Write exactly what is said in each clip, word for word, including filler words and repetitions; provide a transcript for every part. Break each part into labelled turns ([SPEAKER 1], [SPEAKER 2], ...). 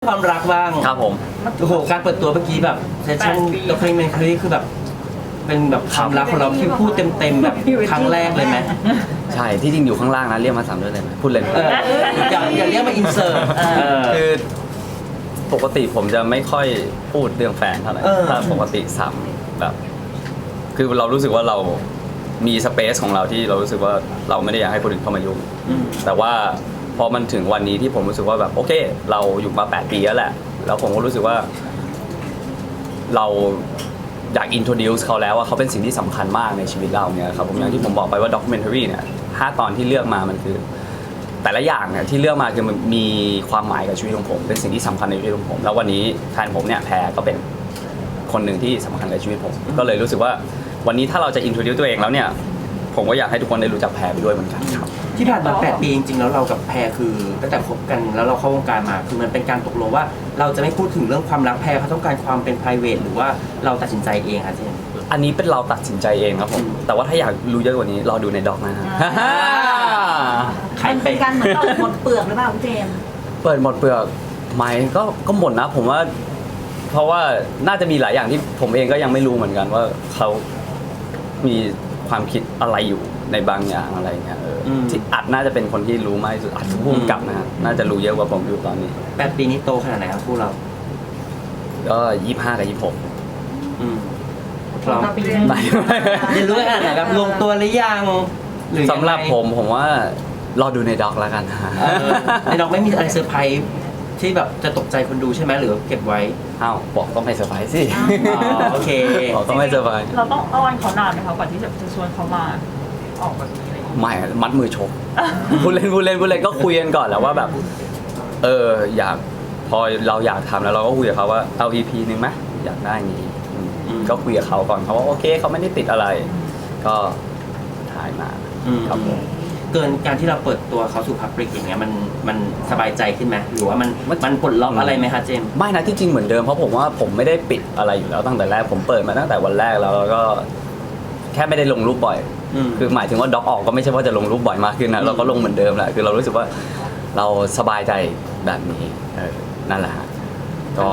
[SPEAKER 1] ความรักบ้าง
[SPEAKER 2] ครับผม
[SPEAKER 1] โอ้โหการเปิดตัวเมื่อกี้แบบเซสชั่นด็อกเมนทารีคือแบบเป็นแบบความรักของเราที่พูดเต็มๆแบบครั้งแรกเลยไหม
[SPEAKER 2] ใช่ที่จริงอยู่ข้างล่างนะเรียกมาสามด้วยเลยไหมพูดเล่น
[SPEAKER 1] เอออย่าอย่าเรียกมาอินเสิร์ต
[SPEAKER 2] คือปกติผมจะไม่ค่อยพูดเรื่องแฟนเท่าไหร่ถ้าปกติซ้ำแบบคือเรารู้สึกว่าเรามีสเปซของเราที่เรารู้สึกว่าเราไม่ได้อยากให้คนอื่นเข้ามายุ่งแต่ว่าพอมันถึงวันนี้ที่ผมรู้สึกว่าแบบโอเคเราอยู่มาแปดปีแล้วแหละแล้วผมก็รู้สึกว่าเราอยาก introduce เขาแล้วว่าเขาเป็นสิ่งที่สำคัญมากในชีวิตเราเนี่ยครับผมอย่างที่ผมบอกไปว่า documentary เนี่ยห้าตอนที่เลือกมามันคือแต่ละอย่างเนี่ยที่เลือกมาคือมันมีความหมายกับชีวิตของผมเป็นสิ่งที่สำคัญในชีวิตของผมแล้ววันนี้แฟนผมเนี่ยแพรก็เป็นคนหนึ่งที่สำคัญในชีวิตผมก็เลยรู้สึกว่าวันนี้ถ้าเราจะ introduce ตัวเองแล้วเนี่ยผมก็อยากให้ทุกคนได้รู้จักแพรไปด้วยเหมือนกันครับ
[SPEAKER 1] ที่ผ่านมาแปดปีจริงๆแล้วเรากับแพรคือตั้งแต่คบกันแล้วเราเข้าวงการมาคือมันเป็นการตกลงว่าเราจะไม่พูดถึงเรื่องความรักแพรเขาต้องการความเป็น private หรือว่าเราตัดสินใจเองคะเจน
[SPEAKER 2] อันนี้เป็นเราตัดสินใจเองครับผมแต่ว่าถ้าอยากรู้เยอะกว่านี้รอดูในด็อกนะฮะ
[SPEAKER 3] มันเป็นการเหมือนเปิดหมดเปลือกหรือเปล่าเจม
[SPEAKER 2] เปิดหมดเปลือกไหมก็ก็หมดนะผมว่าเพราะว่าน่าจะมีหลายอย่างที่ผมเองก็ยังไม่รู้เหมือนกันว่าเขามีความคิดอะไรอยู่ในบางอย่างอะไรเงี้ยที่อัดน่าจะเป็นคนที่รู้มากที่สุดอัดพุ่งกลับนะน่าจะรู้เยอะกว่าผมอยู่ตอนนี้
[SPEAKER 1] แปดปีนี้โตขนาดไหนครับพวกเรา
[SPEAKER 2] ก็ยี่ห้ากับยี่หก
[SPEAKER 1] พร้อมเรียนรู้ขนาดไหนแบบลงตัวหรือยัง
[SPEAKER 2] สำหรับผมผมว่ารอดูในด็อกแล้วกันฮะ
[SPEAKER 1] ในด็อกไม่มีอะไรเซอร์ไพรส์ที่แบบจะตกใจคนดูใช่ไหมหรือเก็บไว้
[SPEAKER 2] อ้าวบอกต้องไม่เซอร์ไพรส์สิ
[SPEAKER 1] โอเค
[SPEAKER 2] บอกต้องไม่เซอร์ไพรส์
[SPEAKER 4] เราต้องอ้อนเขานานไหมคะก่อนที่จะชวนเขามาออกแบบนี้อะไร
[SPEAKER 2] ไม่มัดมือชกพูดเล่นพูดเล่นพูดเล่นก็คุยกันก่อนแล้วว่าแบบเอออยากพอเราอยากทำแล้วเราก็คุยกับเขาว่าเอา อี พี นึงไหมอยากได้นี้ก็คุยกับเขาก่อนเขาว่าโอเคเขาไม่ได้ติดอะไรก็ถ่ายมาครับผม
[SPEAKER 1] เกินการที่เราเปิดตัวเขาสู่พับลิกอย่างเงี้ยมันมันสบายใจขึ้นไหมหรือว่ามันมันปลดล็อกอะไรไหมคะเจม
[SPEAKER 2] ไม่นะที่จริงเหมือนเดิมเพราะผมว่าผมไม่ได้ปิดอะไรอยู่แล้วตั้งแต่แรกผมเปิดมาตั้งแต่วันแรกแล้วแล้วก็แค่ไม่ได้ลงรูปบ่อยคือหมายถึงว่าด็อกออกก็ไม่ใช่ว่าจะลงรูปบ่อยมากขึ้นนะเราก็ลงเหมือนเดิมแหละคือเรารู้สึกว่าเราสบายใจแบบนี้เออนั่นแหละฮะก็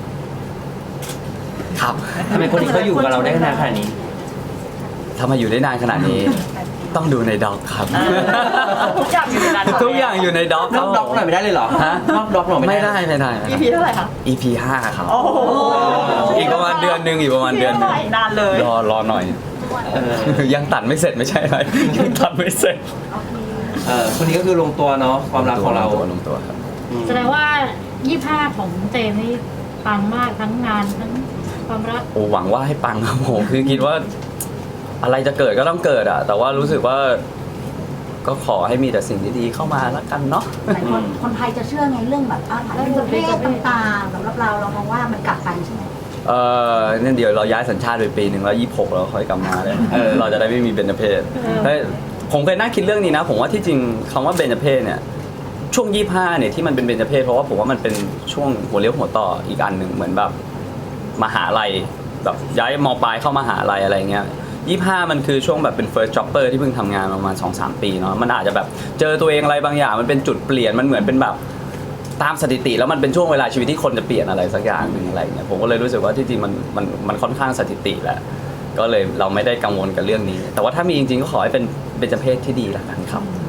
[SPEAKER 2] ครับ
[SPEAKER 1] ทำไมคนที่เขาอยู่กับเราได้นานขนาดนี้
[SPEAKER 2] ทำไมอยู่ได้นานขนาดนี้ต้องดูในด็อกครับ
[SPEAKER 4] ทุกอย่างอยู่ในนั้น
[SPEAKER 2] ทุกอย่างอยู่ในด็อก
[SPEAKER 1] นอกด็อกหน่อยไม่ได้เลยเหรอฮะนอกด็อกหน่อย
[SPEAKER 2] ไม่ได้ไม่ได้
[SPEAKER 4] อี พี เท่าไหร่คะ
[SPEAKER 2] อี พี ห้าครับอีกประมาณเดือนนึงอีกประมาณเดือนนึง
[SPEAKER 4] นานเลย
[SPEAKER 2] รอรอหน่อยยังตัดไม่เสร็จไม่ใช่อะไรยังตัดไม่เสร็จ
[SPEAKER 1] เออคนนี้ก็คือลงตัวเนาะความรักของเรา
[SPEAKER 2] ลงตัวครับ
[SPEAKER 3] แสดงว่ายี่สิบห้าของเจมนี่ปังมากทั้งงานทั้งความรัก
[SPEAKER 2] โอ้หวังว่าให้ปังครับผมคือคิดว่าอะไรจะเกิดก็ต้องเกิดอ่ะแต่ว่ารู้สึกว่าก็ขอให้มีแต่สิ่งดีๆเข้ามาแล้วกันเนาะ
[SPEAKER 3] หลายคนคนไทยจะเชื่อไงเรื่องแบบอาถรรพ์เรื่องเพศต่างๆสำหรับเราเรามองว่ามันกลับกันใช่ไหม
[SPEAKER 2] เออเนี่ยเดี๋ยวเราย้ายสัญชาติไปปีหนึ่งแล้วยี่สิบหกเราค่อยกลับมาเลยเราจะได้ไม่มีเบญจเพศผมเคยนั่งคิดเรื่องนี้นะผมว่าที่จริงคำว่าเบญจเพศเนี่ยช่วงยี่สิบห้าเนี่ยที่มันเป็นเบญจเพศเพราะว่าผมว่ามันเป็นช่วงหัวเลี้ยวหัวต่ออีกอันหนึ่งเหมือนแบบมหาลัยแบบย้ายม.ปลายเข้ามหาลัยอะไรเงี้ยยี่สิบห้ามันคือช่วงแบบเป็น first jobber ที่เพิ่งทำงานประมาณ สองสาม ปีเนาะมันอาจจะแบบเจอตัวเองอะไรบางอย่างมันเป็นจุดเปลี่ยนมันเหมือนเป็นแบบตามสถิติแล้วมันเป็นช่วงเวลาชีวิตที่คนจะเปลี่ยนอะไรสักอย่างนึงอะไรเงี้ยผมก็เลยรู้สึกว่าที่จริงมันมันมันค่อนข้างสถิติแหละก็เลยเราไม่ได้กังวลกับเรื่องนี้แต่ว่าถ้ามีจริงๆก็ขอให้เป็นเบญจเพศที่ดีละกันครับ